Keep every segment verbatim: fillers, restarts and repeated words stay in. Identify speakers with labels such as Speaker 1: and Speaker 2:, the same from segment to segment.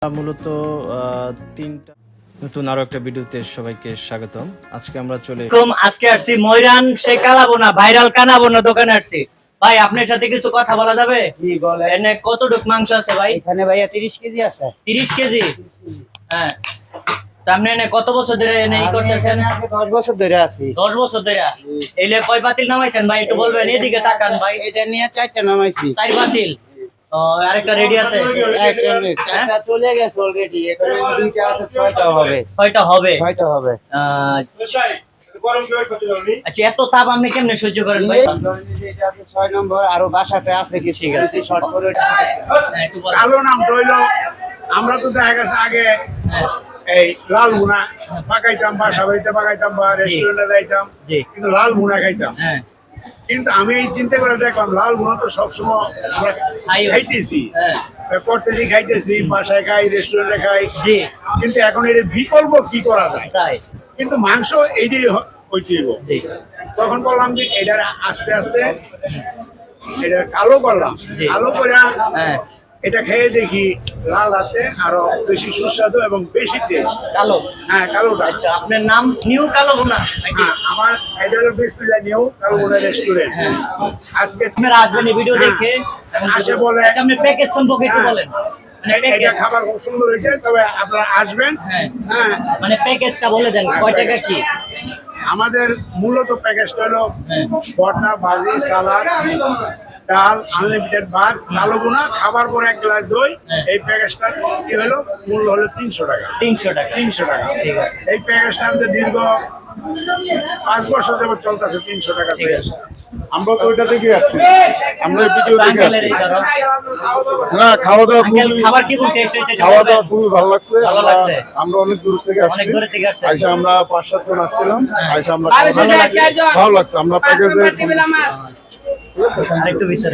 Speaker 1: মূলত তিনটা নতুন আরো একটা ভিডিওতে সবাইকে স্বাগতম। আজকে আমরা চলে
Speaker 2: আজকে আসছি ময়রান সে কালাবোনা ভাইরাল কানাবোনা দোকানে আসছি। ভাই আপনার সাথে কিছু কথা বলা যাবে?
Speaker 3: কি বলে?
Speaker 2: এনে কতটুক মাংস আছে ভাই?
Speaker 3: এখানে ভাইয়া তিরিশ কেজি আছে।
Speaker 2: তিরিশ কেজি? হ্যাঁ। আপনি এনে কত বছর ধরে এনে ই করতেছেন?
Speaker 3: আমি দশ বছর ধরে আছি।
Speaker 2: দশ বছর ধরে? এইলে কয় বাতিল নামাইছেন ভাই একটু বলবেন? এদিকে তাকান ভাই।
Speaker 3: এটা নিয়ে চারটা নামাইছি।
Speaker 2: চার বাতিল? ও আরেকটা রেডি আছে?
Speaker 3: একটা চারটা চলে গেছে অলরেডি। এখন দুইটা আছে, ছয়টা হবে।
Speaker 2: ছয়টা হবে?
Speaker 3: ছয়টা হবে।
Speaker 2: আহ, আচ্ছা এত তাপ আপনি কেমনে সহ্য করেন ভাই?
Speaker 3: এটা আছে ছয় নম্বর, আরো বাসাতে আছে কিছু কিছু শর্ট করে।
Speaker 2: হ্যাঁ, একটু বলেন।
Speaker 4: কালো নাম রইল। আমরা তো দেখা গেছে আগে এই লাল ভুনা পাকাইতাম, বাসা বাড়িতে পাকাইতাম বা রেস্টুরেন্টে যাইতাম,
Speaker 2: জি।
Speaker 4: কিন্তু লাল ভুনা খাইতাম।
Speaker 2: হ্যাঁ
Speaker 4: কিন্তু আমি এই চিন্তা করে দেখলাম লাল ভুনা তো সবসময় আমরা
Speaker 2: খাই।
Speaker 4: খাইতেছি,
Speaker 2: হ্যাঁ
Speaker 4: করতেছি, খাইতেছি, বাসায় খাই, রেস্টুরেন্টে খাই,
Speaker 2: জি।
Speaker 4: কিন্তু এখন এর বিকল্প কি করা যায়?
Speaker 2: তাই?
Speaker 4: কিন্তু মাংস এইটাই হইতে হইব।
Speaker 2: জি
Speaker 4: তখন বললাম যে এটার আস্তে আস্তে এটা কালো করলাম।
Speaker 2: জি।
Speaker 4: কালো করে
Speaker 2: হ্যাঁ
Speaker 4: এটা খেয়ে দেখি লাল হাতে আরো বেশি সুস্বাদু এবং বেশি টেস্ট।
Speaker 2: কালো?
Speaker 4: হ্যাঁ কালোটা।
Speaker 2: আচ্ছা আপনার নাম নিউ কালো বোনা নাকি?
Speaker 4: হ্যাঁ, আমার এটা হলো বিসমিল্লাহ নিউ কালো বোনা রেস্টুরেন্ট। আজকে
Speaker 2: আপনারা আসবেন এই ভিডিও
Speaker 4: হ্যাঁ,
Speaker 2: দেখে।
Speaker 4: আসে বলে
Speaker 2: আচ্ছা আপনি প্যাকেজ সম্পর্কে একটু
Speaker 4: হ্যাঁ,
Speaker 2: বলেন। মানে
Speaker 4: এটা
Speaker 2: প্যাকেজ,
Speaker 4: খাবার খুব সুন্দর হয়েছে, তবে আপনারা আসবেন।
Speaker 2: হ্যাঁ
Speaker 4: হ্যাঁ,
Speaker 2: মানে প্যাকেজটা বলে দেন কয় টাকা কি?
Speaker 4: আমাদের মূলত প্যাকেজটা হলো
Speaker 2: হ্যাঁ
Speaker 4: ভর্তা, ভাজি, সালাদ, ডাল, আনলিমিটেড ভাত, কালো বোনা, খাবার পরে এক গ্লাস দই।
Speaker 2: হ্যাঁ।
Speaker 4: এই প্যাকেজটা কি হলো মূল্য হলো তিনশো টাকা।
Speaker 2: তিনশো টাকা?
Speaker 4: তিনশো টাকা।
Speaker 2: ঠিক আছে।
Speaker 4: এই প্যাকেজটা আমাদের দীর্ঘ পাঁচ বছর যাবত চলতেছে তিনশো টাকা
Speaker 2: ঠিক
Speaker 4: প্যাকেজ।
Speaker 2: আছে।
Speaker 5: আমরা তো ওইটা থেকে আসছি, আমরা এই ভিডিও থেকে
Speaker 2: আঙ্কেলের
Speaker 5: আসছি।
Speaker 2: এই ধরো।
Speaker 5: না, খাওয়া দাওয়া
Speaker 2: আঙ্কেল
Speaker 5: খুবই
Speaker 2: খাবার কি টেস্ট হয়েছে?
Speaker 5: খাওয়া দাওয়া খুবই ভালো লাগছে।
Speaker 2: ভালো
Speaker 5: আমরা
Speaker 2: লাগছে?
Speaker 5: আমরা অনেক দূর থেকে আসছি।
Speaker 2: অনেক দূর থেকে আসছেন?
Speaker 5: আইসা আমরা পাঁচ সাত জন আসছিলাম। আইসা আমরা
Speaker 2: ভালো
Speaker 5: খাওয়া দাওয়া
Speaker 2: লাগছে?
Speaker 5: করছি। ভালো লাগছে। আমরা প্যাকেজে
Speaker 2: আরেকটু ভিতরে।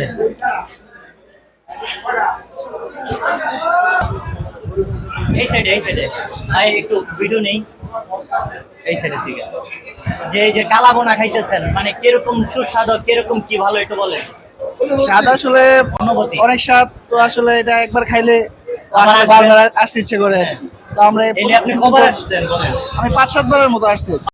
Speaker 2: এই সাইডে এই সাইডে ভাই একটু ভিডিও নেই এই সাইডের দিকে। যে এই যে কালাবোনা খাইতেছেন মানে কিরকম সুস্বাদু, কিরকম কি ভালো একটু বলেন।
Speaker 6: স্বাদ আসলে
Speaker 2: অনুভূতি।
Speaker 6: অনেক স্বাদ, তো আসলে এটা একবার খাইলে
Speaker 2: আবার
Speaker 6: আসলে
Speaker 2: আসবেন।
Speaker 6: বারবার আসতে ইচ্ছে করে। তো আমরা
Speaker 2: এই যে আপনি কবার আসছেন বলেন?
Speaker 6: আমি পাঁচ সাতবারের মতো আসছি।